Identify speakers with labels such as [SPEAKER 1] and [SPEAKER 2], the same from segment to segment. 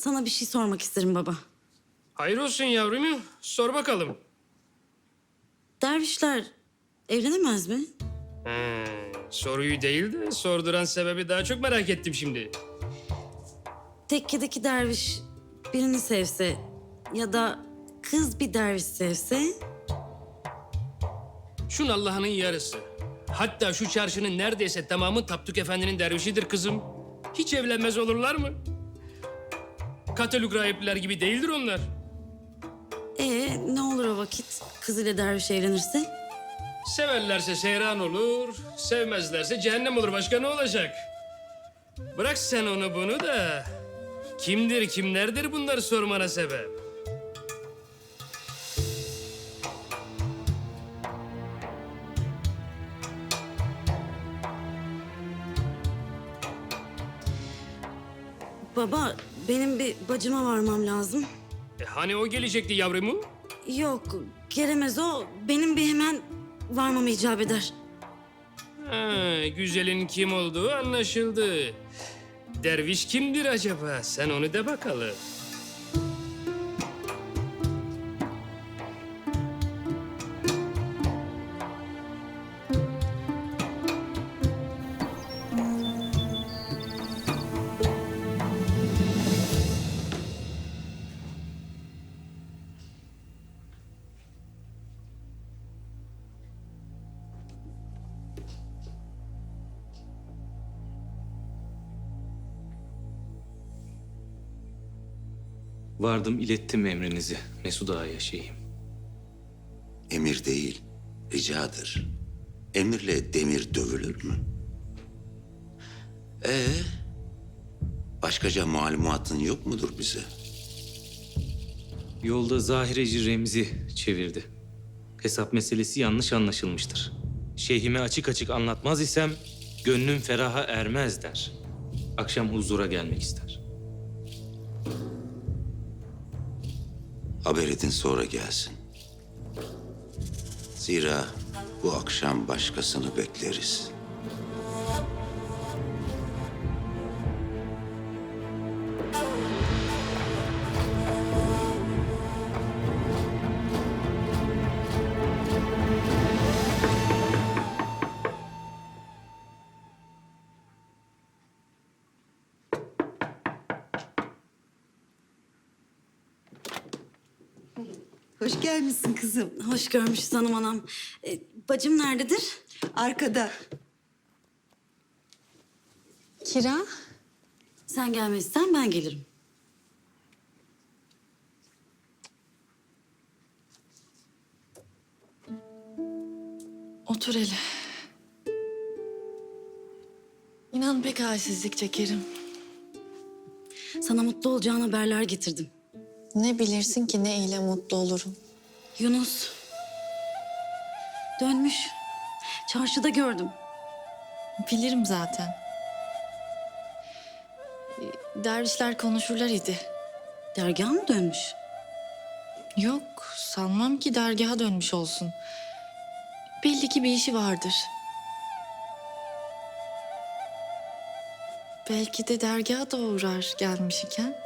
[SPEAKER 1] sana bir şey sormak isterim baba.
[SPEAKER 2] Hayır olsun yavrum. Sor bakalım.
[SPEAKER 1] Dervişler evlenemez mi?
[SPEAKER 2] Soruyu değil de sorduran sebebi daha çok merak ettim şimdi.
[SPEAKER 1] Tekkedeki derviş birini sevse ya da kız bir derviş sevse...
[SPEAKER 2] Şun Allah'ının yarısı. Hatta şu çarşının neredeyse tamamı Tapduk Efendi'nin dervişidir kızım. Hiç evlenmez olurlar mı? Katolik rahipliler gibi değildir onlar.
[SPEAKER 1] Ne olur o vakit kız ile derviş evlenirse?
[SPEAKER 2] Severlerse seyran olur, sevmezlerse cehennem olur. Başka ne olacak? Bırak sen onu bunu da... Kimdir, kimlerdir bunları sormana sebep?
[SPEAKER 1] Baba, benim bir bacıma varmam lazım.
[SPEAKER 2] Hani o gelecekti yavrumu?
[SPEAKER 1] Yok, gelemez o. Benim bir hemen varmam icap eder.
[SPEAKER 2] Güzelin kim olduğu anlaşıldı. Derviş kimdir acaba? Sen onu de bakalım.
[SPEAKER 3] Vardım ilettim emrinizi Mesud Ağa'ya şeyhim.
[SPEAKER 4] Emir değil, ricadır. Emirle demir dövülür mü? Başkaca malumatın yok mudur bize?
[SPEAKER 3] Yolda Zahireci Remzi çevirdi. Hesap meselesi yanlış anlaşılmıştır. Şeyhime açık açık anlatmaz isem gönlüm feraha ermez der. Akşam huzura gelmek ister.
[SPEAKER 4] Haber edin sonra gelsin. Zira bu akşam başkasını bekleriz.
[SPEAKER 5] Hoş gelmişsin kızım.
[SPEAKER 1] Hoş görmüşüz hanım anam. Bacım nerededir?
[SPEAKER 5] Arkada.
[SPEAKER 6] Kira,
[SPEAKER 1] Sen gelmezsen ben gelirim.
[SPEAKER 6] otur hele. İnan pek halsizlik çekerim.
[SPEAKER 1] Sana mutlu olacağın haberler getirdim.
[SPEAKER 6] Ne bilirsin ki ne ile mutlu olurum.
[SPEAKER 1] Yunus dönmüş. Çarşıda gördüm.
[SPEAKER 6] Bilirim zaten. Dervişler konuşurlar idi.
[SPEAKER 1] Dergaha mı dönmüş?
[SPEAKER 6] Yok, sanmam ki dergaha dönmüş olsun. Belli ki bir işi vardır. Belki de dergaha da uğrar gelmiş iken.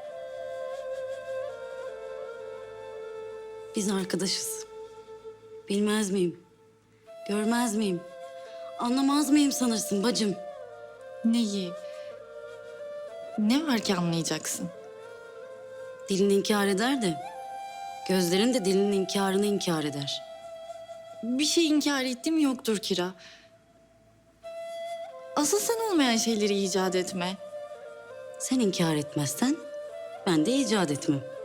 [SPEAKER 1] Biz arkadaşız. Bilmez miyim? Görmez miyim? Anlamaz mıyım sanırsın bacım?
[SPEAKER 6] Neyi? Ne var ki anlayacaksın?
[SPEAKER 1] Dilin inkar eder de gözlerin de dilinin inkarını inkar eder.
[SPEAKER 6] Bir şey inkar ettim yoktur Kira. Asıl sen olmayan şeyleri icat etme.
[SPEAKER 1] Sen inkar etmezsen ben de icat etmem.